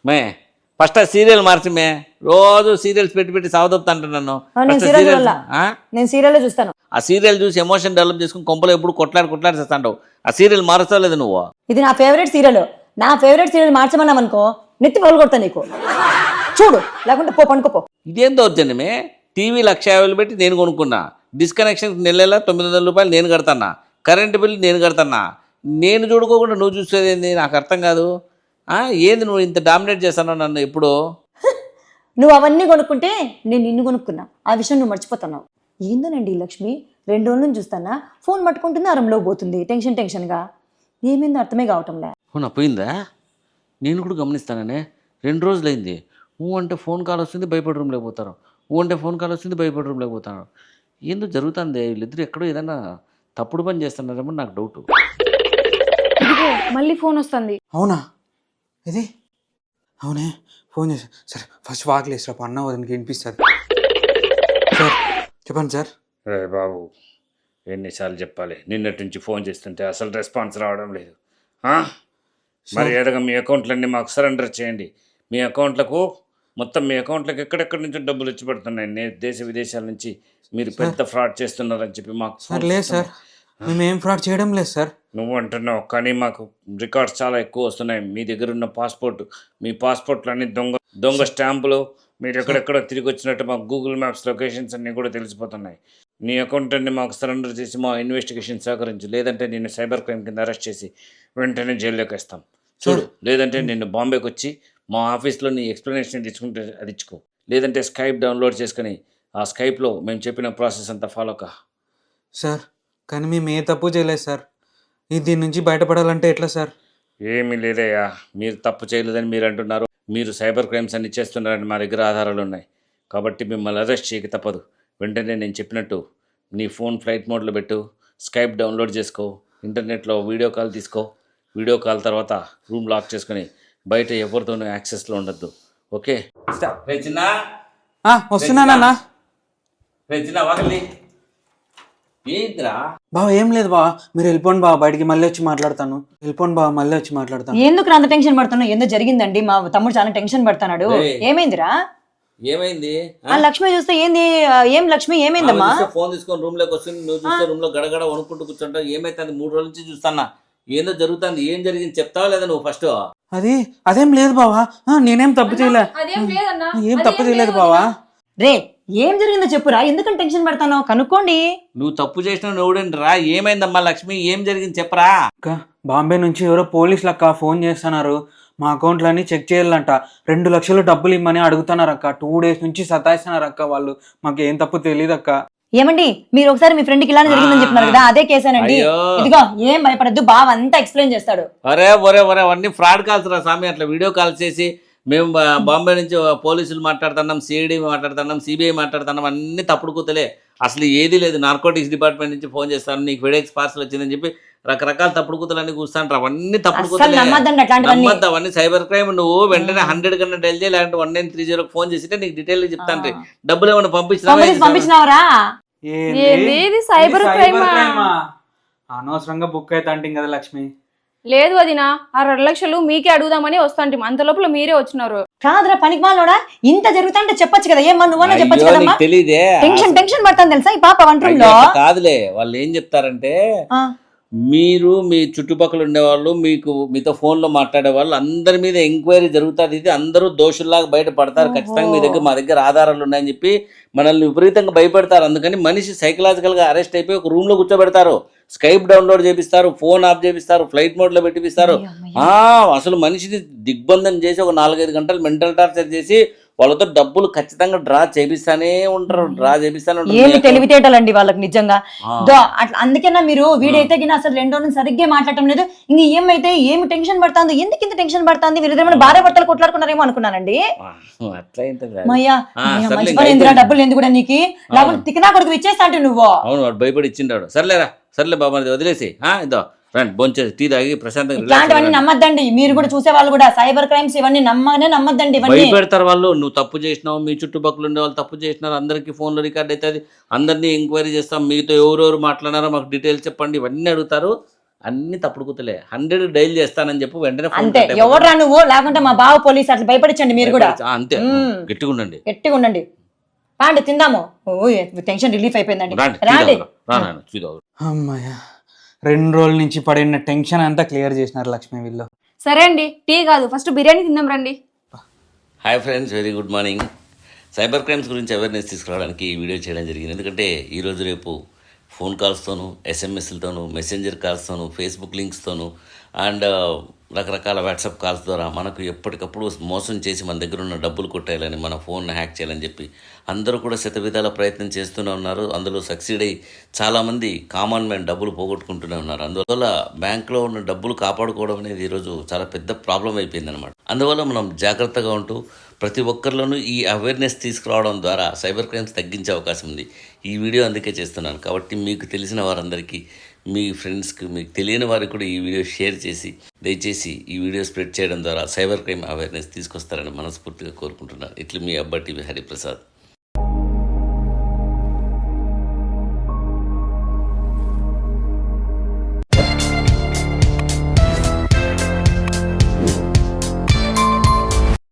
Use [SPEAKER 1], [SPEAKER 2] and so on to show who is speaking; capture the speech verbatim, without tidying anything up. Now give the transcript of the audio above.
[SPEAKER 1] May first ఆ serial మార్చి మే రోజు serials పెట్టి పెట్టి సావదొప్తా నన్ను
[SPEAKER 2] నేను
[SPEAKER 1] First
[SPEAKER 2] సీరియల్
[SPEAKER 1] serials-
[SPEAKER 2] వల్ల
[SPEAKER 1] ఆ?
[SPEAKER 2] నేను సీరియల్ చూస్తాను.
[SPEAKER 1] ఆ సీరియల్ చూసి ఎమోషన్ డెవలప్ చేసుకుని కొంపలో ఎప్పుడు కొట్లాడి కొట్లాడి చేస్తాంటావు. ఆ సీరియల్ మారుస్తావు లేదు నువ్వు.
[SPEAKER 2] ఇది నా ఫేవరెట్ సీరియల్. నా ఫేవరెట్ సీరియల్ మార్చమన్నాం అనుకో నెత్తి పగలు కొడతా నీకు. చూడు, లేకుంటే పో పండుకోపో.
[SPEAKER 1] ఇదేం దౌర్జన్యమే. టీవీ లక్ష యాభైలు పెట్టి నేను కొనుక్కున్నా, డిస్కనెక్షన్ నెల నెల తొమ్మిది వందల రూపాయలు నేను కడతానా, కరెంటు బిల్లు నేను కడతానా, నేను చూడుకోకుండా నువ్వు చూసేది ఏంది నాకు అర్థం కాదు. ఆ, ఏంది నువ్వు ఇంత డామినేట్ చేస్తాను నన్ను ఎప్పుడు.
[SPEAKER 2] నువ్వు అవన్నీ కొనుక్కుంటే నేను నిన్ను కొనుక్కున్నా, ఆ విషయం నువ్వు మర్చిపోతున్నావు. ఏందోనండి లక్ష్మి, రెండు రోజుల నుంచి చూస్తానా ఫోన్ పట్టుకుంటుంది, అరంలో పోతుంది టెన్షన్ టెన్షన్గా. ఏమైందో అర్థమే కావటంలే.
[SPEAKER 1] అవునా, పోయిందా? నేను కూడా గమనిస్తాననే. రెండు రోజులైంది. ఊ అంటే ఫోన్ కాల్ వస్తుంది భయపడి రూమ్ లేకపోతారు, ఊ అంటే ఫోన్ కాల్ వస్తుంది భయపడి రూమ్ లేకపోతారు. ఏందో జరుగుతుంది. వీళ్ళిద్దరు ఎక్కడో ఏదైనా తప్పుడు పని చేస్తున్నారేమో నాకు డౌట్.
[SPEAKER 3] ఇదిగో మళ్ళీ ఫోన్ వస్తుంది.
[SPEAKER 4] అవునా ఇది? అవునే, ఫోన్ చేసా. సరే ఫస్ట్ వాకిలేసరా, అన్న వదినకి వినిపిస్తుంది. సార్ చెప్పండి సార్.
[SPEAKER 5] రే బాబు, ఎన్నిసార్లు చెప్పాలి? నిన్నటి నుంచి ఫోన్ చేస్తుంటే అసలు రెస్పాన్స్ రావడం లేదు. ఆ? మరి ఏదగా మీ అకౌంట్లన్నీ మాకు సరెండర్ చేయండి. మీ అకౌంట్లకు మొత్తం మీ అకౌంట్లకు ఎక్కడెక్కడి నుంచి డబ్బులు వచ్చి పడుతున్నాయి. నే- దేశ విదేశాల నుంచి మీరు పెద్ద ఫ్రాడ్ చేస్తున్నారని చెప్పి మాకు
[SPEAKER 4] సార్ లేదు సార్, మేము ఏం ఫ్రాడ్ చేయడం లేదు సార్.
[SPEAKER 5] నువ్వు అంటున్నావు, కానీ మాకు రికార్డ్స్ చాలా ఎక్కువ వస్తున్నాయి. మీ దగ్గర ఉన్న పాస్పోర్ట్, మీ పాస్పోర్ట్లు అన్ని దొంగ దొంగ స్టాంపులు, మీరు ఎక్కడెక్కడ తిరిగి వచ్చినట్టు మాకు గూగుల్ మ్యాప్స్ లొకేషన్స్ అన్నీ కూడా తెలిసిపోతున్నాయి. నీ అకౌంట్ అన్ని మాకు సరెండర్ చేసి మా ఇన్వెస్టిగేషన్ సహకరించు, లేదంటే నిన్ను సైబర్ క్రైమ్ కింద అరెస్ట్ చేసి వెంటనే జైల్లోకి వేస్తాం. చూడు, లేదంటే నిన్ను బాంబేకి వచ్చి మా ఆఫీస్లో నీ ఎక్స్ప్లెనేషన్ తెచ్చుకుంటే అది ఇచ్చుకో, లేదంటే స్కైప్ డౌన్లోడ్ చేసుకుని ఆ స్కైప్లో మేము చెప్పిన ప్రాసెస్ అంతా ఫాలో కా.
[SPEAKER 4] సార్ కానీ మేము ఏ తప్పు చేయలేదు సార్. ఈ దీని నుంచి బయటపడాలంటే ఎట్లా సార్?
[SPEAKER 5] ఏమీ లేదయ్యా, మీరు తప్పు చేయలేదని మీరు అంటున్నారు. మీరు సైబర్ క్రైమ్స్ అన్ని చేస్తున్నారని మా దగ్గర ఆధారాలు ఉన్నాయి. కాబట్టి మిమ్మల్ని అరెస్ట్ చేయక తప్పదు. వెంటనే నేను చెప్పినట్టు నీ ఫోన్ ఫ్లైట్ మోడ్లో పెట్టు, స్కైప్ డౌన్లోడ్ చేసుకో, ఇంటర్నెట్లో వీడియో కాల్ తీసుకో. వీడియో కాల్ తర్వాత రూమ్ లాక్ చేసుకొని బయట ఎవరితోనూ యాక్సెస్లో ఉండద్దు. ఓకే?
[SPEAKER 1] రెచ్చినా
[SPEAKER 4] ఆ, వస్తున్నానన్నా.
[SPEAKER 1] రెచ్చినా వాకలి ఏంద్రా?
[SPEAKER 4] బావ ఏం లేదు బావ, మీరు వెళ్ళిపోండి బావ, బయటికి మళ్ళీ వచ్చి మాట్లాడతాను. వెళ్ళిపోండి బావ, మళ్ళీ వచ్చి మాట్లాడతాను.
[SPEAKER 2] ఎందుకు అంత టెన్షన్ పడుతున్నావు? ఏందో జరిగిందండి, మా తమ్ముడు చాలా టెన్షన్ పడుతున్నాడు.
[SPEAKER 1] ఏయ్.
[SPEAKER 2] ఏమైందిరా?
[SPEAKER 1] ఏమైంది?
[SPEAKER 2] ఆ లక్ష్మి చూస్తే ఏంది? ఆ, ఏం లక్ష్మి ఏమైందమ్మా?
[SPEAKER 1] ఫోన్ తీసుకొని రూమ్ లోకి వస్తుంది, నువ్వు చూస్తే రూమ్ లో గడగడ వణుకుంటూ కూర్చుంటావు. ఏమైతుంది? మూడు రోజుల నుంచి చూస్తానా, ఏందో జరుగుతుంది. ఏం జరిగింది చెప్తావా లేదా నువ్వు ఫస్ట్?
[SPEAKER 4] అది అదేం లేదు బావా, ఆ, నేనేం తప్పు చేయలే.
[SPEAKER 3] అదేం లేదన్నా,
[SPEAKER 4] ఏం తప్పు చేయలేదు బావా.
[SPEAKER 2] రే ఏం జరిగిందో చెప్పురా, ఎందుకని టెన్షన్ పడతానో కనుక్కోండి.
[SPEAKER 1] నువ్వు తప్పు చేసిన నువ్వుడండి రా. ఏమైందమ్మా లక్ష్మి, ఏం జరిగింది చెప్పరా?
[SPEAKER 4] అక్క బాంబే నుంచి ఎవరో పోలీసులు అక్క ఫోన్ చేస్తున్నారు. మా అకౌంట్లన్నీ చెక్ చేయాలంట. రెండు లక్షలు డబ్బులు ఇమ్మని అడుగుతున్నారు అక్క. టూ డేస్ నుంచి సతాయిస్తున్నారు అక్క వాళ్ళు. మాకు ఏం తప్పు తెలియదు అక్క.
[SPEAKER 2] ఏమండి, మీరు ఒకసారి మీ ఫ్రెండ్ కి ఇలానే జరిగిందని చెప్తున్నారు కదా, అదే కేసేనండి.
[SPEAKER 1] అయ్యో.
[SPEAKER 2] ఇదిగో ఏం భయపడద్దు, బావ అంతా ఎక్స్ప్లెయిన్ చేస్తాడు.
[SPEAKER 1] ఒరే ఒరే ఒరే అవన్నీ ఫ్రాడ్ కాల్స్ రా స్వామి. అట్లా వీడియో కాల్ చేసి మేము బా- బాంబే నుంచి పోలీసులు మాట్లాడుతున్నాం, సిఐడి మాట్లాడుతున్నాం, సిబిఐ మాట్లాడుతున్నాం, అన్ని తప్పుడు కూతలే. అసలు ఏది లేదు. నార్కోటిక్స్ డిపార్ట్మెంట్ నుంచి ఫోన్ చేస్తాను, నీకు ఫెడెక్స్ పార్సల్ వచ్చిందని చెప్పి రకరకాల తప్పుడు కూతలన్నీ కూర్చుంటారు. అవన్నీ తప్పుడు
[SPEAKER 2] అస్సలు
[SPEAKER 1] కూతలే.
[SPEAKER 2] నమ్మద్దండి అట్లాంటివన్నీ.
[SPEAKER 1] నమ్మద్దు, అవన్నీ సైబర్ క్రైమ్. నువ్వు వెంటనే హండ్రెడ్ కన్నా డైల్ చేయాలి, లేదంటే one nine three zero phone చేసి నీకు డీటెయిల్ చెప్తాను. డబ్బులు ఏమైనా
[SPEAKER 2] పంపించి
[SPEAKER 1] పంపించినా
[SPEAKER 2] పంపించినావరా?
[SPEAKER 4] ఏంది?
[SPEAKER 3] ఏంది ఇది సైబర్
[SPEAKER 4] ఇది
[SPEAKER 3] క్రైమా?
[SPEAKER 4] క్రైమా? అనవసరంగా బుక్ అయితే అంటే కదా లక్ష్మి.
[SPEAKER 3] లేదు వదినా, ఆ రెండు లక్షలు మీకే అడుగుదామని వస్తాంటి, అంత లోపల మీరే వచ్చినారు.
[SPEAKER 2] కాదురా పనికి మాలోడా, ఇంత జరుగుతుంటే చెప్పొచ్చు కదా, ఏమన్నా నువ్వన్నా చెప్పొచ్చు కదమ్మా.
[SPEAKER 1] తెలియదే.
[SPEAKER 2] టెన్షన్ టెన్షన్ పడతాను తెలుసా ఈ పాప వంట రూమ్ లో.
[SPEAKER 1] కాదులే, వాళ్ళు ఏం చెప్తారంటే
[SPEAKER 2] ఆ,
[SPEAKER 1] మీరు మీ చుట్టుపక్కల ఉండేవాళ్ళు, మీకు మీతో ఫోన్లో మాట్లాడే వాళ్ళు అందరి మీద ఎంక్వైరీ జరుగుతుంది. ఇది అందరూ దోషుల్లాగా బయట పడతారు. ఖచ్చితంగా మీ దగ్గర మా దగ్గర ఆధారాలు ఉన్నాయని చెప్పి మనల్ని విపరీతంగా భయపెడతారు. అందుకని మనిషి సైకలాజికల్గా అరెస్ట్ అయిపోయి ఒక రూమ్లో కూర్చోబెడతారు, స్కైప్ డౌన్లోడ్ చేపిస్తారు, ఫోన్ ఆఫ్ చేపిస్తారు, ఫ్లైట్ మోడ్లో పెట్టిపిస్తారు. ఆ, అసలు మనిషిని దిగ్బంధం చేసి ఒక నాలుగైదు గంటలు మెంటల్ టార్చర్ చేసి వాళ్ళతో డబ్బులు ఖచ్చితంగా డ్రా చేపిస్తానే ఉంటారు. డ్రా చేపిస్తానే
[SPEAKER 2] ఏమి
[SPEAKER 1] ఉంటారు.
[SPEAKER 2] తెలివితేటలండి వాళ్ళకి నిజంగా.
[SPEAKER 1] ఆ.
[SPEAKER 2] దో అట్లా అందుకేనా మీరు వీడైతే గిన అసలు రెండు రోజులు సరిగ్గా మాట్లాడటం లేదు. ఇంక ఏమైతే ఏమి టెన్షన్ పడుతుంది, ఎందుకు ఇంత టెన్షన్ పడుతుంది? వీళ్ళిద్దరు భార్య భర్తలు కొట్లాడుకున్నారేమో అనుకున్నానండి.
[SPEAKER 1] ఆ, అట్లా ఏంటది?
[SPEAKER 2] మయ్యా
[SPEAKER 1] ఆ, సర్లే,
[SPEAKER 2] మంచి
[SPEAKER 1] ఇంకా
[SPEAKER 2] పని ఎందుకు
[SPEAKER 1] అయిపోయింది.
[SPEAKER 2] డబ్బులు ఎందుకు కూడా నీకు లేకపోతే తికనా కొడుకు ఇచ్చేస్తా అంటే నువ్వు.
[SPEAKER 1] అవును, వాడు భయపడి ఇచ్చిండాడు. సర్లేరా, సర్లే బాబా, వదిలేసి ఆ ఇదో రండి భోంచేసి టీ తాగి ప్రశాంతంగా relax
[SPEAKER 2] ఇట్లాంటివన్నీ
[SPEAKER 1] అవ్వండి.
[SPEAKER 2] నమ్మద్దండి. మీరు కూడా చూసే వాళ్ళు కూడా సైబర్ క్రైమ్స్ ఇవన్నీ నమ్మనే నమ్మద్దండి. ఇవన్నీ
[SPEAKER 1] భయపెడతారు వాళ్ళు. నువ్వు తప్పు చేసినావు, మీ చుట్టుపక్కల ఉండే వాళ్ళు తప్పు చేసినారు, అందరికీ ఫోన్లో రికార్డ్ అవుతుంది, అందరినీ ఎంక్వైరీ చేస్తాం, మీతో ఎవరెవరు మాట్లాడారో మాకు డీటెయిల్స్ చెప్పండి, ఇవన్నీ అడుగుతారు. అన్ని తప్పుడు కూతలే. హండ్రెడ్ డైల్ చేస్తానని చెప్పి వెంటనే phone
[SPEAKER 2] అంతే.
[SPEAKER 1] cut అయిపోతుంది.
[SPEAKER 2] ఎవడ్రా నువ్వు, లేకుంటే మా బావ పోలీస్ అట్లా భయపడించండి మీరు కూడా.
[SPEAKER 1] ఆ, అంతే
[SPEAKER 2] మ్మ్.
[SPEAKER 1] గట్టిగా ఉండండి.
[SPEAKER 2] గట్టిగా ఉండండి. రాండి తిందాము. ఓ టెన్షన్ రిలీఫ్ అయిపోయిందండి.
[SPEAKER 1] రాండి
[SPEAKER 2] రాండి.
[SPEAKER 1] చూద్దాం.
[SPEAKER 4] అమ్మయ్య, రెండు రోజుల నుంచి పడిన టెన్షన్ అంతా క్లియర్ చేసినారు లక్ష్మి వీళ్ళు.
[SPEAKER 3] సరే అండి, టీ కాదు ఫస్ట్ బిర్యానీ తిందాం రండి.
[SPEAKER 1] Hi friends, very good morning. Cyber crimes గురించి అవేర్నెస్ తీసుకురావడానికి ఈ వీడియో చేయడం జరిగింది. ఎందుకంటే ఈరోజు రేపు ఫోన్ కాల్స్తోనూ, ఎస్ఎంఎస్లతోనూ, మెసెంజర్ కాల్స్తోనూ, ఫేస్బుక్ లింక్స్తోనూ అండ్ రకరకాల వాట్సాప్ కాల్స్ ద్వారా మనకు ఎప్పటికప్పుడు మోసం చేసి మన దగ్గర ఉన్న డబ్బులు కొట్టేయాలని, మన ఫోన్ హ్యాక్ చేయాలని చెప్పి అందరూ కూడా శతవిధాల ప్రయత్నం చేస్తూనే ఉన్నారు. అందులో సక్సీడ్ అయ్యి చాలామంది కామన్ మ్యాన్ డబ్బులు పోగొట్టుకుంటూనే ఉన్నారు. అందువల్ల బ్యాంకులో ఉన్న డబ్బులు కాపాడుకోవడం అనేది ఈరోజు చాలా పెద్ద ప్రాబ్లం అయిపోయింది అనమాట. అందువల్ల మనం జాగ్రత్తగా ఉంటూ ప్రతి ఒక్కరిలోనూ ఈ అవేర్నెస్ తీసుకురావడం ద్వారా సైబర్ క్రైమ్స్ తగ్గించే అవకాశం ఉంది. ఈ వీడియో అందుకే చేస్తున్నాను. కాబట్టి మీకు తెలిసిన వారందరికీ, మీ ఫ్రెండ్స్కి, మీకు తెలియని వారికి కూడా ఈ వీడియో షేర్ చేసి దయచేసి ఈ వీడియో స్ప్రెడ్ చేయడం ద్వారా సైబర్ క్రైమ్ అవేర్నెస్ తీసుకొస్తారని మనస్ఫూర్తిగా కోరుకుంటున్నాను. ఇట్లా మీ అబ్బా టీవీ హరిప్రసాద్.